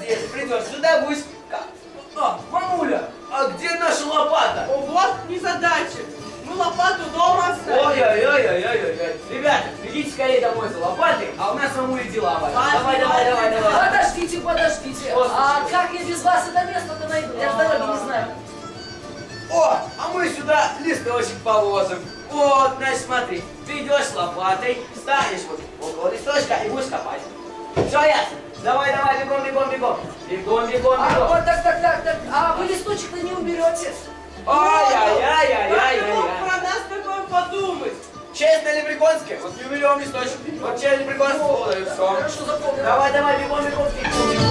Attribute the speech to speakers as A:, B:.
A: если придешь сюда, будешь... А, мамуля, а где наша лопата?
B: О, вот незадача. Мы лопату дома оставили.
A: Ой-ой-ой-ой-ой-ой. Ребята, бегите скорее домой за лопатой, а у нас мамуля дела. Давай.
C: Подождите. А как я без вас это место-то найду? Я ж дороги не знаю.
A: О, а мы сюда листочек положим. Вот, значит, смотри, ты идешь с лопатой, станешь вот около листочка и будешь копать. Все ясно? Давай, бегом.
C: А вот так. А вы листочек-то не уберете?
A: Ай-яй-яй-яй-яй-яй.
B: Про нас такое подумать.
A: Честно лепреконское, вот не уберем листочек. Вот честно лепреконское, вот и все.
C: Хорошо, запомнил.
A: Давай, бегом.